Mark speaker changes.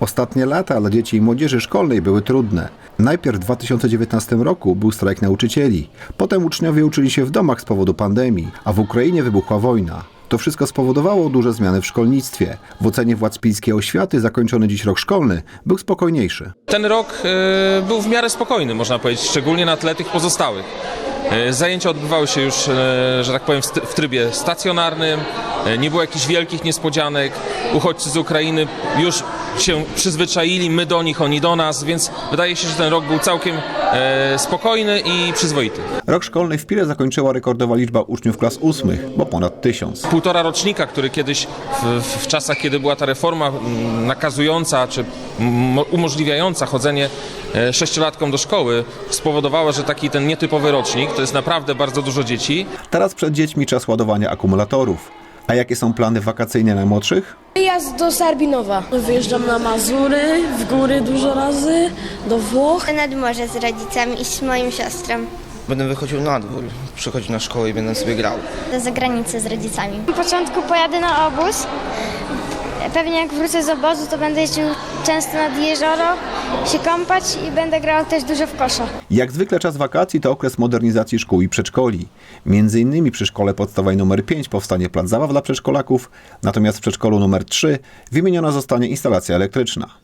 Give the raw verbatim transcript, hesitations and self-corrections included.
Speaker 1: Ostatnie lata dla dzieci i młodzieży szkolnej były trudne. Najpierw w dwa tysiące dziewiętnastym roku był strajk nauczycieli. Potem uczniowie uczyli się w domach z powodu pandemii, a w Ukrainie wybuchła wojna. To wszystko spowodowało duże zmiany w szkolnictwie. W ocenie władz pilskiej oświaty zakończony dziś rok szkolny był spokojniejszy.
Speaker 2: Ten rok y, był w miarę spokojny, można powiedzieć, szczególnie na tle tych pozostałych. Y, zajęcia odbywały się już, y, że tak powiem, w trybie stacjonarnym, y, nie było jakichś wielkich niespodzianek. Uchodźcy z Ukrainy już się przyzwyczaili, my do nich, oni do nas, więc wydaje się, że ten rok był całkiem y, spokojny i przyzwoity.
Speaker 1: Rok szkolny w Pile zakończyła rekordowa liczba uczniów klas ósmych, bo ponad tysiąc.
Speaker 2: Półtora rocznika, który kiedyś w, w czasach, kiedy była ta reforma nakazująca czy umożliwiająca chodzenie sześciolatkom do szkoły, spowodowała, że taki ten nietypowy rocznik, to jest naprawdę bardzo dużo dzieci.
Speaker 1: Teraz przed dziećmi czas ładowania akumulatorów. A jakie są plany wakacyjne na młodszych?
Speaker 3: Jazd do Sarbinowa. Wyjeżdżam na Mazury, w góry dużo razy, do Włoch.
Speaker 4: Nad morze z rodzicami i z moją siostrą.
Speaker 5: Będę wychodził na dwór, przychodził na szkołę i będę sobie grał.
Speaker 4: Do zagranicy z rodzicami.
Speaker 6: Na początku pojadę na obóz. Pewnie jak wrócę z obozu, to będę jeździł często nad jezioro, się kąpać i będę grał też dużo w kosza.
Speaker 1: Jak zwykle czas wakacji to okres modernizacji szkół i przedszkoli. Między innymi przy szkole podstawowej numer pięć powstanie plac zabaw dla przedszkolaków, natomiast w przedszkolu numer trzy wymieniona zostanie instalacja elektryczna.